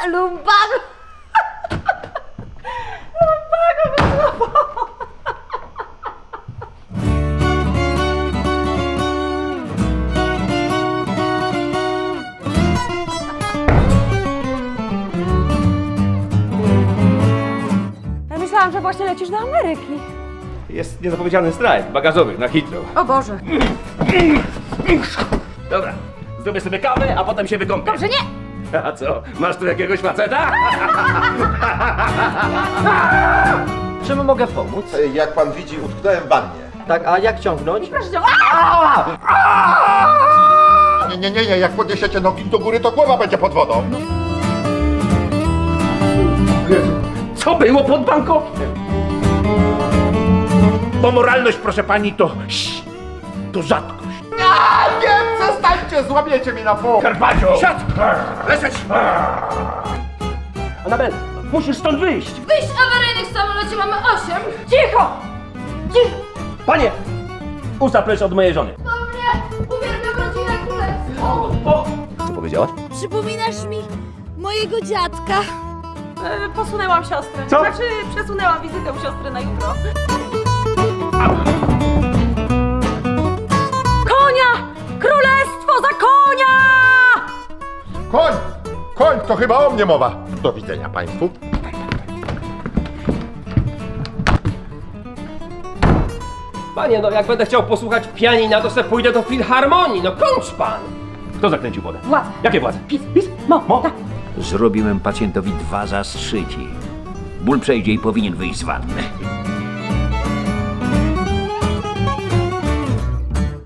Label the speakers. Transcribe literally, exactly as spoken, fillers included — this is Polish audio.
Speaker 1: Lumbago! Lumbago go złapało! Ja myślałam, że właśnie lecisz do Ameryki.
Speaker 2: Jest niezapowiedziany strajk bagażowy na Heathrow.
Speaker 1: O Boże.
Speaker 2: Dobra, zrobię sobie kawę, a potem się wykąpię.
Speaker 1: Dobrze, nie!
Speaker 2: A co, masz tu jakiegoś faceta?
Speaker 3: Czym mogę pomóc?
Speaker 4: Jak pan widzi, utknąłem w wannie.
Speaker 3: Tak, a jak ciągnąć?
Speaker 1: Proszę cię.
Speaker 4: Nie, nie, nie, nie, jak podniesiecie nogi do góry, to głowa będzie pod wodą.
Speaker 2: Co było pod Bangkokiem? Bo moralność, proszę pani, to to rzadkość.
Speaker 4: A nie, przestańcie, złamiecie mi na pół.
Speaker 2: Karpaccio! Siad! Leżeć! Anabel, musisz stąd wyjść!
Speaker 5: Wyjść awaryjnych w samolocie mamy osiem!
Speaker 1: Cicho! Cicho!
Speaker 2: Panie! Usta precz od mojej żony.
Speaker 5: Do mnie! Uwielbiam rodzinę królewską!
Speaker 2: O! Co powiedziałaś?
Speaker 5: Przypominasz mi mojego dziadka.
Speaker 1: E, posunęłam siostrę.
Speaker 2: Co?
Speaker 1: Znaczy, przesunęłam wizytę u siostry na jutro. Konia! Królestwo za konia!
Speaker 4: Koń, koń, to chyba o mnie mowa. Do widzenia państwu.
Speaker 3: Panie, no jak będę chciał posłuchać pianina, to se pójdę do filharmonii, no kończ pan!
Speaker 2: Kto zakręcił wodę?
Speaker 1: Władze.
Speaker 2: Jakie władze?
Speaker 1: Pis, pis, mo, mo. Tak.
Speaker 6: Zrobiłem pacjentowi dwa zastrzyki. Ból przejdzie i powinien wyjść z wanny.